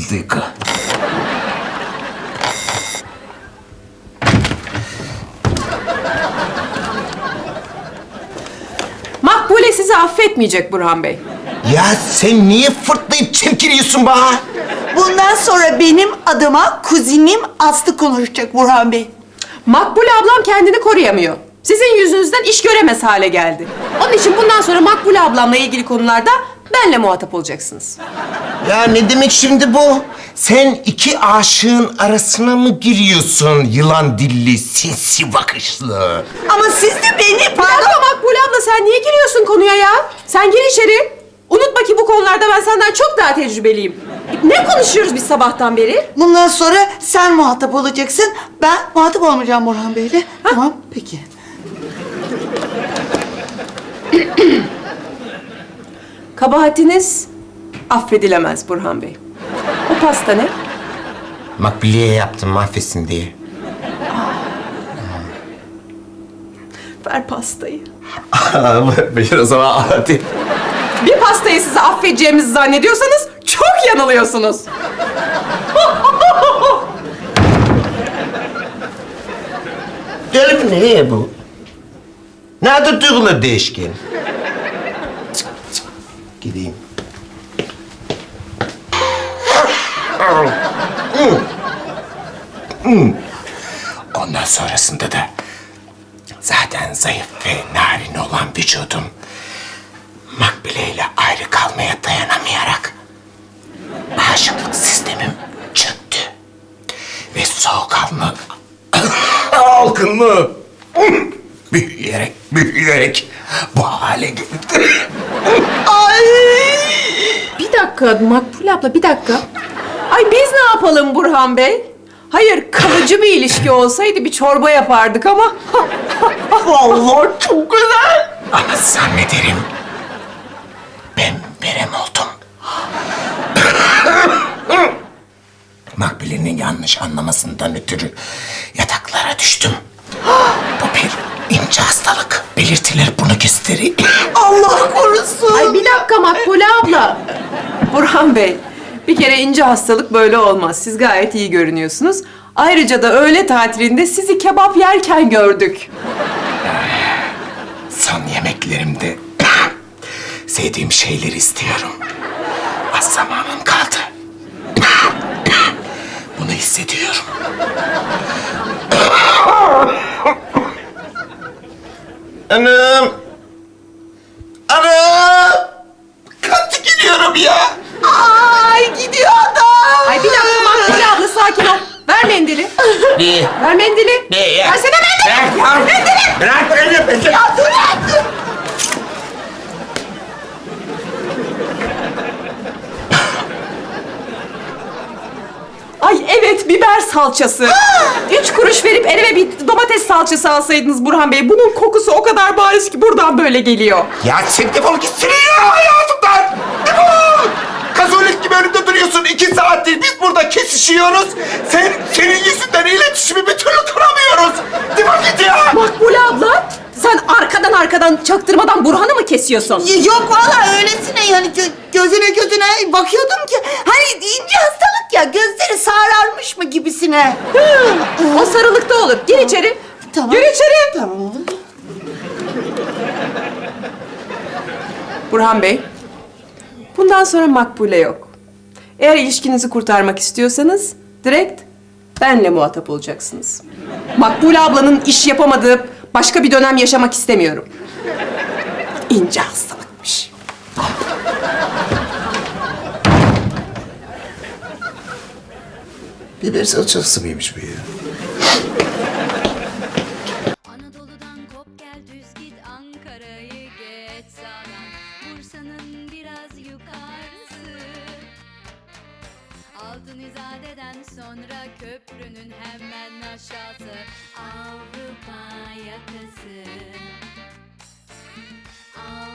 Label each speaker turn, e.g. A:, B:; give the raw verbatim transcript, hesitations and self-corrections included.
A: duygu.
B: Makbule sizi affetmeyecek Burhan Bey.
A: Ya sen niye fırtlayıp çemkiriyorsun bana?
C: Bundan sonra benim adıma kuzinim Aslı konuşacak Burhan Bey.
B: Makbule ablam kendini koruyamıyor. Sizin yüzünüzden iş göremez hale geldi. Onun için bundan sonra Makbule ablamla ilgili konularda benle muhatap olacaksınız.
A: Ya ne demek şimdi bu? Sen iki aşığın arasına mı giriyorsun yılan dilli, sinsi bakışlı?
C: Ama siz de beni
B: Pardon
C: pardon.
B: Makbule abla sen niye giriyorsun konuya ya? Sen gir içeri. Unutma ki bu konularda ben senden çok daha tecrübeliyim. Ne konuşuyoruz biz sabahtan beri?
C: Bundan sonra sen muhatap olacaksın. Ben muhatap olmayacağım Burhan Bey'le. Tamam peki.
B: Kabahatiniz affedilemez Burhan Bey. O pasta ne?
A: Makbule'ye yaptım mahvetsin diye.
B: Ver pastayı.
A: Buyur o zaman hadi.
B: Bir pastayı size affedeceğimizi zannediyorsanız çok yanılıyorsunuz.
A: Deli mi ne bu? Nerede duygular değişken? Cık, cık. Gideyim. Hmm. Hmm. Ondan sonrasında da zaten zayıf ve narin olan vücudum Makbule ile ayrı kalmaya dayanamayarak bağışıklık sistemim çöktü. Ve soğukkanlı algınlığı büyüyerek, büyüyerek bu hale geldi. Ay!
B: Bir dakika Makbule abla bir dakika. Ay biz ne yapalım Burhan Bey? Hayır kalıcı bir ilişki olsaydı bir çorba yapardık ama.
A: Vallahi çok güzel. Ama zannederim ben verem oldum. Makbule'nin yanlış anlamasından ötürü yataklara düştüm. Bu bir ince hastalık. Belirtiler bunu gösteriyor.
C: Allah korusun.
B: Ay bir dakika Makbule abla. Burhan Bey, bir kere ince hastalık böyle olmaz. Siz gayet iyi görünüyorsunuz. Ayrıca da öğle tatilinde sizi kebap yerken gördük.
A: Son yemeklerimde sevdiğim şeyleri istiyorum. Az zamanım kaldı. Bunu hissediyorum. Anam! Anam! Katı gidiyorum ya!
C: Ay gidiyor adam.
B: Ay bir dakika Makbule abla sakin ol. Ver mendili.
A: Ne?
B: Ver mendili.
A: Ne ya?
B: Versene mendili.
A: Bırak ya! Bırak beni! Bırak!
C: Ya dur ya dur.
B: Ay evet biber salçası. Üç kuruş verip elime bir domates salçası alsaydınız Burhan Bey. Bunun kokusu o kadar bariz ki buradan böyle geliyor.
A: Ya sen defol gitsene ya hayatımdan! Defol! Kazolik gibi önümde duruyorsun. İki saattir biz burada kesişiyoruz. Sen, senin yüzünden iletişimi bir türlü kuramıyoruz. Defol git ya!
B: Makbule abla sen arkadan arkadan çaktırmadan Burhan'ı mı kesiyorsun?
C: Y- Yok vallahi öylesine yani gö- gözüne gözüne bakıyordum ki hani ince hastalık ya gözleri sararmış mı gibisine.
B: O sarılıkta olur. Gir içeri.
C: Tamam.
B: Gir içeri.
C: Tamam oğlum.
B: Burhan Bey, bundan sonra Makbule yok. Eğer ilişkinizi kurtarmak istiyorsanız direkt benle muhatap olacaksınız. Makbule ablanın iş yapamadığı başka bir dönem yaşamak istemiyorum. İnce hastalıkmış.
A: Biber salçası mıymış bu ya?
D: Anadolu'dan kop gel düz git Ankara'yı geç sağdan Bursa'nın biraz yukarısı Altın İzade'den sonra köprünün hemen aşağısı Avrupa yakası Avrupa